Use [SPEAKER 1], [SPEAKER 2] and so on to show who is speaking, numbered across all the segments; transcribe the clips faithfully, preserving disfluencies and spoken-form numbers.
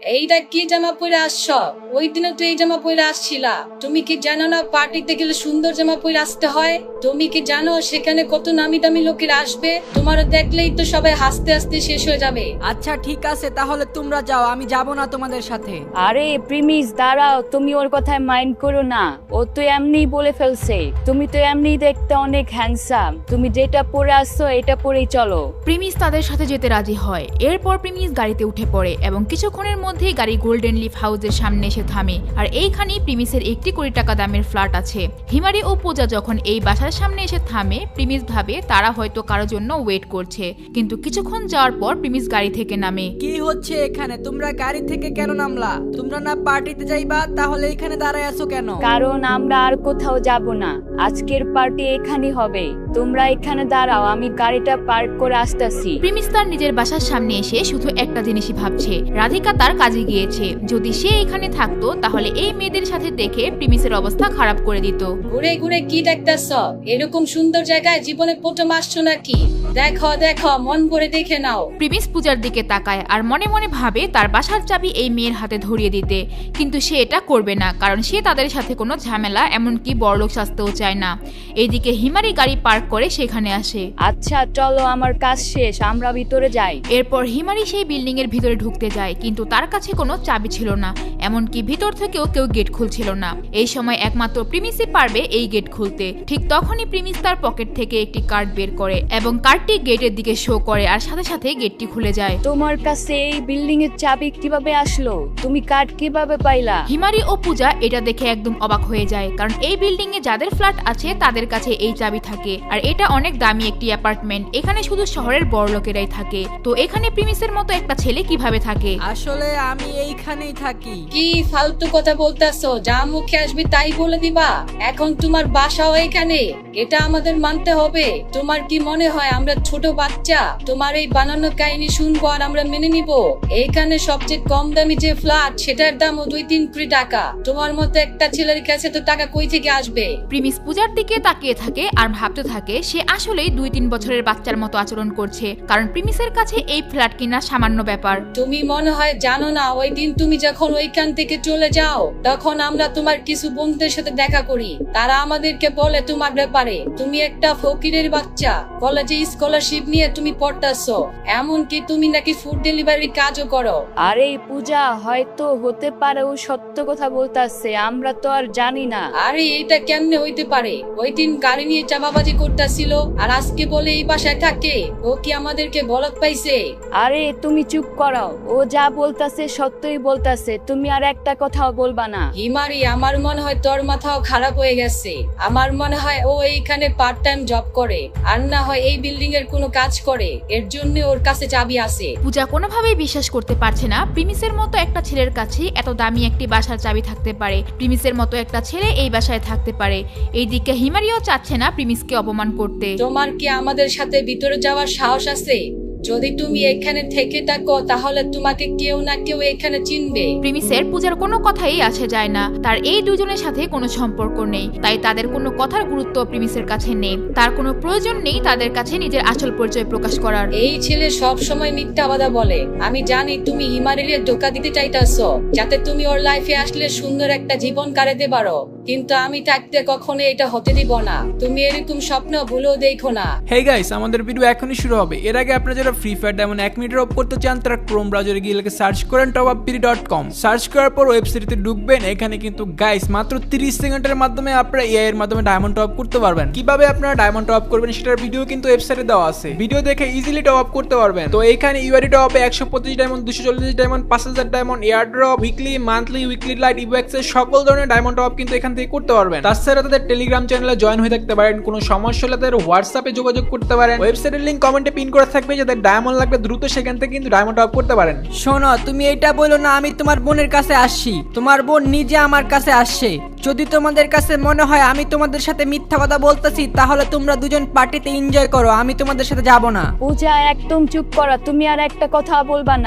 [SPEAKER 1] এইটা কি জামা পরে আসছ? ওই দিনে তো এই জামা পরে আসছিলা। তুমি কি জানো না পার্টিতে গেলে সুন্দর জামা পরে আসতে হয়? তুমি কি জানো সেখানে কত নামি দামি লোকেরা আসবে? তোমার দেখলেই তো সবাই হাসতে হাসতে শেষ হয়ে যাবে।
[SPEAKER 2] আচ্ছা ঠিক আছে, তাহলে তোমরা যাও, আমি যাব না তোমাদের সাথে।
[SPEAKER 3] আরে প্রিমিস দাঁড়াও, তুমি ওর কথায় মাইন্ড করো না। ও তো এমনিই বলে ফেলছে। তুমি তো এমনিই দেখতে অনেক হ্যান্ডসাম। তুমি যেটা পরে আসছো এটা পরেই চলো।
[SPEAKER 4] প্রিমিস তাদের সাথে যেতে রাজি হয়। এরপর প্রিমিস গাড়িতে উঠে পড়ে এবং কিছুক্ষণের মধ্যেই গাড়ি গোল্ডেন লিফ হাউসের সামনে এসে থামে। আর এইখানেই প্রিমিসের একটি কোটি টাকা দামের ফ্ল্যাট আছে। হিমারি ও পূজা যখন এই বাসার সামনে এসে থামে, প্রিমিস ভাবে তারা হয়তো কারোর জন্য ওয়েট করছে। কিন্তু কিছুক্ষণ যাওয়ার পর প্রিমিস গাড়ি থেকে নামে।
[SPEAKER 2] কি হচ্ছে এখানে? তোমরা গাড়ি থেকে কেন নামলা? তোমরা না পার্টিতে যাইবা? তাহলে এখানে দাঁড়ায় আছো কেন?
[SPEAKER 3] কারণ আমরা আর কোথাও যাব না, আজকের পার্টি এখানেই হবে। তোমরা এখানে দাঁড়াও, আমি গাড়িটা পার্ক করে আসতেছি।
[SPEAKER 4] প্রিমিস তার নিজের বাসার সামনে এসে শুধু একটা জিনিসই ভাবছে, রাধিকা তার কাজে গিয়েছে। যদি সে এখানে থাকতো তাহলে এই মেয়েদের সাথে দেখে প্রিমিসের অবস্থা খারাপ করে দিত।
[SPEAKER 1] ঘুরে ঘুরে কি দেখতেছ? এরকম সুন্দর জায়গায় জীবনে প্রথম আসছো নাকি? দেখো দেখো, মন ভরে দেখে নাও।
[SPEAKER 4] প্রিমিস পূজার দিকে তাকায় আর মনে মনে ভাবে তার বাসার চাবি এই মেয়ের হাতে ধরিয়ে দিতে, কিন্তু সে এটা করবে না, কারণ সে তাদের সাথে কোনো ঝামেলা এমনকি বড়লোক সাজতেও চায় না। এইদিকে হিমারি গাড়ি পার্ক করে সেখানে আসে।
[SPEAKER 3] আচ্ছা চলো, আমার কাজ শেষ, আমরা ভিতরে যাই।
[SPEAKER 4] এরপর হিমারি সেই বিল্ডিং এর ভিতরে ঢুকতে যায়, কিন্তু তার কাছে কোনো চাবি ছিল না, এমনকি ভিতর থেকেও কেউ গেট খুলছিল না। এই সময় একমাত্র প্রিমিসই পারবে এই গেট খুলতে। ঠিক তখনই প্রিমিস তার পকেট থেকে একটি কার্ড বের করে এবং কার্ডটি গেটের দিকে শো করে আর সাথে সাথে গেটটি খুলে যায়।
[SPEAKER 3] তোমার কাছে এই বিল্ডিং এর চাবি কিভাবে আসলো? তুমি কার্ড কিভাবে পাইলা?
[SPEAKER 4] হিমারি ও পূজা এটা দেখে একদম অবাক হয়ে যায়, কারণ এই বিল্ডিং এ যাদের ফ্ল্যাট আছে তাদের কাছে এই চাবি থাকে। আর এটা অনেক দামি একটি অ্যাপার্টমেন্ট, এখানে শুধু শহরের বড় লোকেরাই থাকে। তো এখানে প্রিমিসের মতো একটা ছেলে কিভাবে থাকে?
[SPEAKER 2] আসলে আমি এইখানেই থাকি।
[SPEAKER 1] কি ফালতু কথা বলতেছো? যা মুখে আসবে তাই বলে দিবা? এখন তোমার বাসাও এখানে, এটা আমাদের মানতে হবে। তোমার কি মনে হয় আমরা ছোট বাচ্চা? তোমার এই বানানো কাহিনী শুনবো আর আমরা মেনে নিব? এইখানে সবচেয়ে কম দামি যে ফ্ল্যাট সেটার দামও দুই তিন কোটি টাকা। তোমার মতো একটা ছেলের কাছে তো টাকা কই থেকে আসবে?
[SPEAKER 4] প্রিমিস পূজার দিকে তাকিয়ে থাকে আর ভাবতে থাকে সে আসলেই দুই তিন বছরের বাচ্চার মতো আচরণ করছে, কারণ প্রিমিসের কাছে এই ফ্ল্যাট কিনা সামান্য ব্যাপার।
[SPEAKER 1] তুমি মনে হয় জানো না, ওই দিন তুমি যখন ওইখান থেকে চলে যাও তখন আমরা তোমার কিছু বন্ধুদের সাথে দেখা করি। তারা আমাদেরকে বলে তোমার ব্যাপারে তুমি একটা ফকিরের বাচ্চা, কলেজে স্কলারশিপ নিয়ে তুমি পড়তেছো, এমনকি তুমি নাকি ফুড ডেলিভারি কাজও করো।
[SPEAKER 3] আরে পূজা, হয়তো হতে পারে ও সত্য কথা বলতাছে, আমরা তো আর জানি না।
[SPEAKER 1] আরে এটা কেমনে হইতে পারে? ওই দিন গাড়ি নিয়ে চাপাবাজি করতেছিল আর আজকে বলে এই বাসায় থাকে। ও কি আমাদেরকে বলদ পাইছে?
[SPEAKER 3] আরে তুমি চুপ করো, ও যা বলতাছে সত্যই বলতাছে, তুমি আর একটা কথাও বলবা না।
[SPEAKER 1] হিমারি, আমার মনে হয় তোর মাথাও খারাপ হয়ে গেছে। আমার মনে হয় ও এইখানে পার্ট টাইম জব করে, আর না হয় এই বিল্ডিং এর কোনো কাজ করে, এর জন্য ওর কাছে চাবি আছে।
[SPEAKER 4] পূজা কোনোভাবেই বিশ্বাস করতে পারছে না প্রিমিসের মতো একটা ছেলের কাছে এত দামি একটি বাসার চাবি থাকতে পারে, প্রিমিসের মতো একটা ছেলে এই বাসায় থাকতে পারে। এইদিকে হিমারিও চাচ্ছে না প্রিমিসকে অপমান করতে।
[SPEAKER 1] তোমার কি আমাদের সাথে ভিতরে যাওয়ার সাহস আছে? যদি তুমি এখানে থেকে থাকো তাহলে তোমাকে কেউ না কেউ এখানে চিনবে।
[SPEAKER 4] প্রিমিসের পূজার কোনো কথাই আসে যায় না, তার এই দুজনের সাথে কোনো সম্পর্ক নেই, তাই তাদের কোনো কথার গুরুত্ব প্রিমিসের কাছে নেই। তার কোনো প্রয়োজন নেই তাদের কাছে নিজের আসল পরিচয় প্রকাশ করার।
[SPEAKER 1] এই ছেলে সব সময় মিথ্যা কথা বলে। আমি জানি তুমি হিমারিরে ধোঁকা দিতে চাইতাছো যাতে তুমি ওর লাইফে আসলে সুন্দর একটা জীবন কাটাতে পারো, কিন্তু আমি থাকতে কখনো এটা হতে দিব না। তুমি এরকম স্বপ্ন ভুলেও দেখো না।
[SPEAKER 5] হেই গাইস, আমাদের ভিডিও এখনই শুরু হবে। এর আগে আপনারা যারা ফ্রি ফায়ার ডায়মন্ড এক মিনিট অফ করতে চান তারা ক্রোম ব্রাউজারে গিয়ে লিখে সার্চ করেন top up PD dot com. Search করার পর ওয়েবসাইটে ঢুকবেন। এখানে কিন্তু গাইস মাত্র তিরিশ সেকেন্ডের মাধ্যমে আপনারা এআই এর মাধ্যমে ডায়মন্ড টপ করতে পারবেন। কিভাবে আপনারা ডায়মন্ড টপ করবেন সেটার ভিডিও কিন্তু ওয়েবসাইটে দেওয়া আছে, ভিডিও দেখে ইজিলি টপ আপ করতে পারবেন। তো এখানে ইউআরই টপ আপে একশো পঁচিশ ডায়মন্ড, দুশো চল্লিশ ডায়মন্ড, পাঁচ হাজার diamond, air drop, weekly, monthly, weekly lite, ইভেক্স এর সকল ধরনের ডায়মন্ড টপ কিন্তু এখান থেকে করতে পারবেন। তাছাড়া তাদের টেলিগ্রাম চ্যানেলে জয়েন হয়ে থাকতে পারেন। কোনো সমস্যা হলে তাদের হোয়াটসঅ্যাপে যোগাযোগ করতে পারেন। ওয়েবসাইটের লিংক কমেন্টে পিন করা থাকবে, যাদের ডায়মন্ড লাগবে দ্রুত সেখান থেকে কিন্তু ডায়মন্ড টপ করতে পারেন।
[SPEAKER 2] শোনো, তুমি এটা বলো না আমি তোমার বোনের কাছে আসছি, তোমার বোন নিজে আমার কাছে আসছে। যদি তোমাদের কাছে মনে হয় আমি তোমাদের সাথে মিথ্যা কথা বলতেছি তাহলে তোমরা দুজন পার্টিতে এনজয় করো, আমি তোমাদের সাথে যাব না।
[SPEAKER 3] পূজা একদম চুপ করো, তুমি আর একটা কথা বলবা না।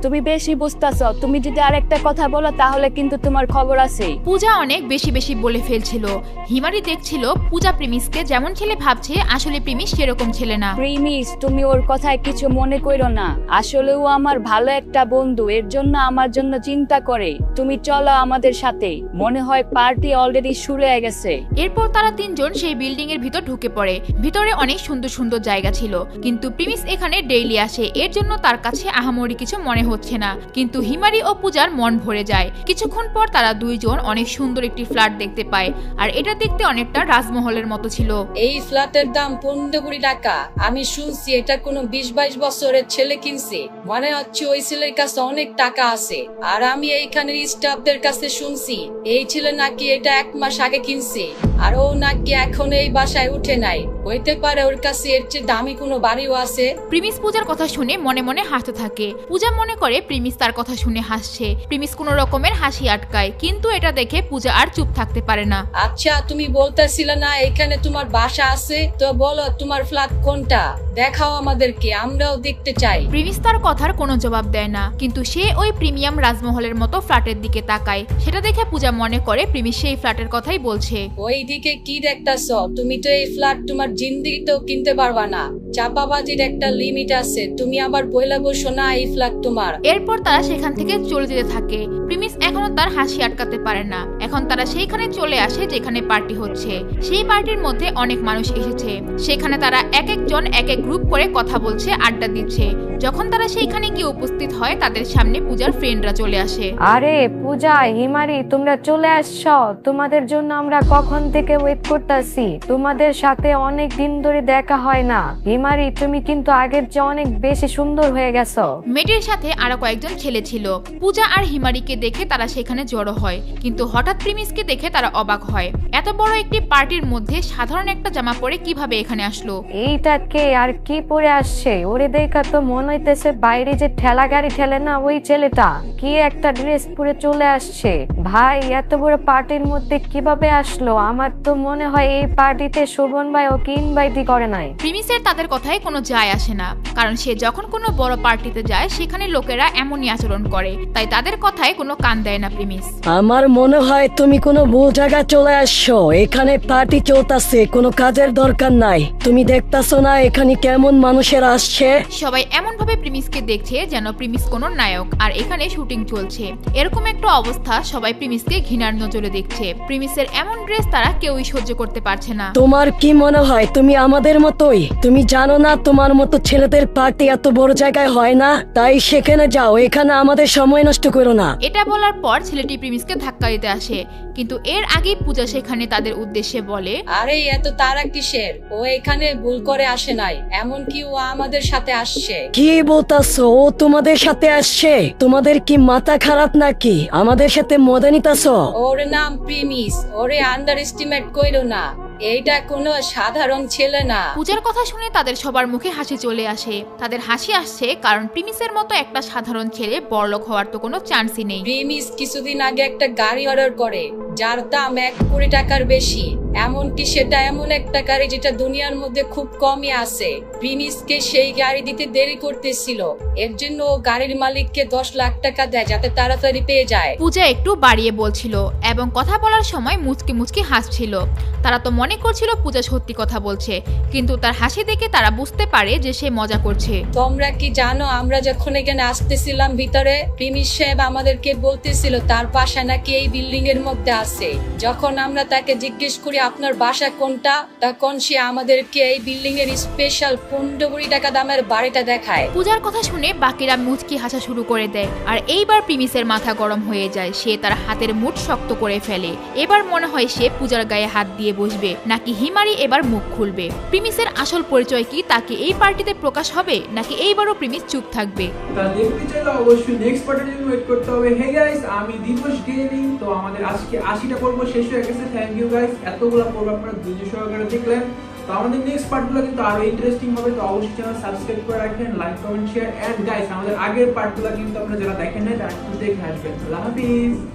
[SPEAKER 3] তুমি বেশি বুঝতেছো, তুমি যদি আরেকটা কথা বলো তাহলে কিন্তু তোমার খবর আছে।
[SPEAKER 4] পূজা অনেক বেশি বেশি বলে ফেলছিল। হিমারি দেখছিল পূজা প্রিমিসকে যেমন ছেলে ভাবছে আসলে প্রিমিস সেরকম ছেলে না।
[SPEAKER 3] প্রিমিস, তুমি ওর কথায় কিছু মনে করো না, আসলে ও আমার ভালো একটা বন্ধু, এর জন্য আমার জন্য চিন্তা করে। তুমি চলো আমাদের সাথে, মনে হয় পার্টি অলরেডি শুরু হয়ে গেছে।
[SPEAKER 4] এরপর তারা তিনজন সেই বিল্ডিং এর ভিতর ঢুকে পড়ে। ভিতরে অনেক সুন্দর সুন্দর জায়গা ছিল, কিন্তু প্রিমিস এখানে ডেইলি আসে, এর জন্য তার কাছে আহামরি কিছু মনে হচ্ছে না। কিন্তু হিমারি ও পূজার মন ভরে যায়। কিছুক্ষণ পর তারা দুইজন অনেক সুন্দর একটি ফ্ল্যাট দেখতে পায়, আর এটা দেখতে অনেকটা রাজমহলের মতো ছিল।
[SPEAKER 1] এই ফ্ল্যাটের দাম পনেরো কোটি টাকা। আমি শুনছি এটা কোনো বিশ বাইশ বছরের ছেলে কিনছে, মনে হচ্ছে ওই ছেলের কাছে অনেক টাকা আছে। আর আমি এইখানের স্টাফদের কাছে শুনছি এই ছেলে নাকি এটা এক মাস আগে কিনছে, আর ও নাকি এখন এই বাসায় উঠে নাই। হইতে পারে ওর কাছে এর চেয়ে দামি কোনো বাড়িও আছে।
[SPEAKER 4] প্রিমিস পূজার কথা শুনে মনে মনে হাসতে থাকে। পূজা মনে করে প্রিমিস তার কথা শুনে হাসছে। প্রিমিস কোনো রকমের হাসি আটকায়, কিন্তু এটা দেখে পূজা আর চুপ থাকতে পারে না।
[SPEAKER 1] আচ্ছা, তুমি বলতেছিলে না এখানে তোমার বাসা আছে, তো বলো তোমার ফ্ল্যাট কোনটা, দেখাও আমাদেরকে, আমরাও দেখতে চাই।
[SPEAKER 4] প্রিমিস তার কথার কোনো জবাব দেয় না, কিন্তু সে ওই প্রিমিয়াম রাজমহলের মতো ফ্ল্যাটের দিকে তাকায়। সেটা দেখে পূজা মনে করে প্রিমিস সেই ফ্ল্যাটের কথাই বলছে।
[SPEAKER 1] ওই দিকে কি দেখতেছ? তুমি তো এই ফ্ল্যাট তোমার জিন্দিগিতেও কিনতে পারবা না। চাপাবাজির একটা লিমিট আছে, তুমি আবার বইলা বসো না এই ফ্ল্যাট তোমার।
[SPEAKER 4] এরপর তারা সেখান থেকে চলে যেতে থাকে। প্রিমিস এখনো তার হাসি আটকাতে পারে না। এখন তারা সেইখানে চলে আসে যেখানে পার্টি হচ্ছে। সেই পার্টির মধ্যে অনেক মানুষ এসেছে। সেখানে তারা এক একজন এক এক গ্রুপ করে কথা বলছে, আড্ডা দিচ্ছে। যখন তারা সেইখানে গিয়ে উপস্থিত হয়, তাদের সামনে পূজার ফ্রেন্ডরা চলে আসে।
[SPEAKER 6] আরে পূজা, হিমারি, তোমরা চলে আসছো। তোমাদের জন্য আমরা কখন থেকে ওয়েট করতেছি। তোমাদের সাথে অনেক দিন ধরে দেখা হয় না। হিমারি, তুমি কিন্তু আগের চেয়ে অনেক বেশি সুন্দর হয়ে গেছো।
[SPEAKER 4] মেয়েটির সাথে আরো কয়েকজন ছেলে ছিল। পূজা আর হিমারিকে দেখে তারা সেখানে জড়ো হয়, কিন্তু হঠাৎ প্রিমিসকে দেখে তারা অবাক হয়। এত বড় একটি পার্টির মধ্যে সাধারণ একটা জামা পরে কিভাবে এখানে আসলো?
[SPEAKER 6] এইটা কে আর কি পরে আসছে? ওরে দেখা তো মনে হইতেছে বাইরে যে ঠেলা গাড়ি ঠেলে না, ওই ছেলেটা। কি একটা ড্রেস পরে চলে আসছে। ভাই, এত বড় পার্টির মধ্যে কিভাবে আসলো? আমার তো মনে হয় এই পার্টিতে শোভন ভাই ওকে ইনভাইটই করে নাই।
[SPEAKER 4] প্রিমিসের তাদের কথায় কোনো যায় আসে না, কারণ সে যখন কোনো বড় পার্টিতে যায় সেখানে লোকেরা এমনই আচরণ করে, তাই তাদের কথায় কোনো কান দেয় না প্রিমিস।
[SPEAKER 7] আমার মনে হয় তুমি কোনো ভুল জায়গায় চলে আসছো। এখানে পার্টি চলতেছে, কোনো কাজের দরকার নাই। তুমি দেখতাছো না এখানে কেমন মানুষেরা আসছে?
[SPEAKER 4] সবাই এমন ভাবে প্রিমিসকে দেখছে যেন প্রিমিস কোনো নায়ক, আর এখানে শুটিং চলছে। এরকম একটা অবস্থা, সবাই প্রিমিসকে ঘৃণার নজরে দেখছে। প্রিমিসের এমন ড্রেস তারা কেউই সহ্য করতে পারছে না।
[SPEAKER 7] তোমার কি মনে হয় তুমি আমাদের মতোই? তুমি জানো না তোমার মতো ছেলেদের পার্টি এত বড় জায়গায় হয় না? তাই সেখানে যাও, এখানে আমাদের সময় নষ্ট করো না।
[SPEAKER 4] এটা বলার পর ছেলেটি প্রিমিসকে ধাক্কা দিতে আসে, কিন্তু এর আগেই পূজা সেখানে তাদের উদ্দেশ্যে বলে,
[SPEAKER 1] আরে এত তারা কিসের? ও এখানে ভুল করে আসে নাই, এমনকি ও আমাদের সাথে আসছে।
[SPEAKER 7] কি বলতাছো? ও তোমাদের সাথে আসছে? তোমাদের কি মাথা খারাপ নাকি? আমাদের সাথে মজা নিতাছো?
[SPEAKER 1] ওর নাম প্রিমিস, ওরে আন্ডার এস্টিমেট কইরো না। এইটা কোনো সাধারণ ছেলে না।
[SPEAKER 4] পূজার কথা শুনে তাদের সবার মুখে হাসি চলে আসে। তাদের হাসি আসছে কারণ প্রিমিসের মতো একটা সাধারণ ছেলে বড়লোক হওয়ার তো কোনো চান্সই নেই।
[SPEAKER 1] প্রিমিস কিছুদিন আগে একটা গাড়ি অর্ডার করে যার দাম এক কোটি টাকার বেশি। এমনকি সেটা এমন একটা গাড়ি যেটা দুনিয়ার মধ্যে খুব কমই আছে। প্রিমিসকে সেই গাড়ি দিতে দেরি করতেছিল, এর জন্য ও গাড়ির মালিককে দশ লাখ টাকা দেয় যাতে তাড়াতাড়ি পেয়ে যায়।
[SPEAKER 4] পূজা একটু বাড়িয়ে বলছিল এবং কথা বলার সময় মুচকি মুচকি হাসছিল। তারা তো মনে করছিল পূজা সত্যি কথা বলছে, কিন্তু তার হাসি দেখে তারা বুঝতে পারে যে সে মজা করছে।
[SPEAKER 1] তোমরা কি জানো, আমরা যখন এখানে আসতেছিলাম ভিতরে, প্রিমিস সাহেব আমাদেরকে বলতেছিল তার বাসা নাকি এই বিল্ডিং এর মধ্যে আছে। যখন আমরা তাকে জিজ্ঞেস করি আপনার বাসা কোনটা, তখন সে আমাদেরকে এই বিল্ডিং এর স্পেশাল পনেরো কোটি টাকা দামের বাড়িটা দেখায়।
[SPEAKER 4] পূজার কথা শুনে বাকিরা মুচকি হাসা শুরু করে দেয়, আর এইবার প্রিমিসের মাথা গরম হয়ে যায়। সে তার হাতের মুঠ শক্ত করে ফেলে। এবার মনে হয় সে পূজার গায়ে হাত দিয়ে বসবে, নাকি হিমারি এবার মুখ খুলবে। প্রিমিসের আসল পরিচয় কি, তাকে এই পার্টিতে প্রকাশ হবে, নাকি এইবারও প্রিমিস চুপ থাকবে?
[SPEAKER 5] তা দেখতে চাইলে অবশ্যই নেক্সট পার্টের জন্য ওয়েট করতে হবে। হে গাইস, আমি দিবস গেমিং। তো আমাদের আজকে আশিটা পর্ব শেষ হয়ে গেছে। থ্যাংক ইউ গাইস, এতগুলো পর্ব আপনারা ধৈর্য সহকারে দেখলেন। তো আমাদের নেক্সট পার্টগুলো কিন্তু আরো ইন্টারেস্টিং হবে। তো অবশ্যই চ্যানেল সাবস্ক্রাইব করে রাখবেন, like comment share. And guys, আমাদের আগের পার্টগুলো কিন্তু আপনারা যারা দেখেন নাই তারা একটু দেখে আসবেন। আল্লাহ হাফিজ।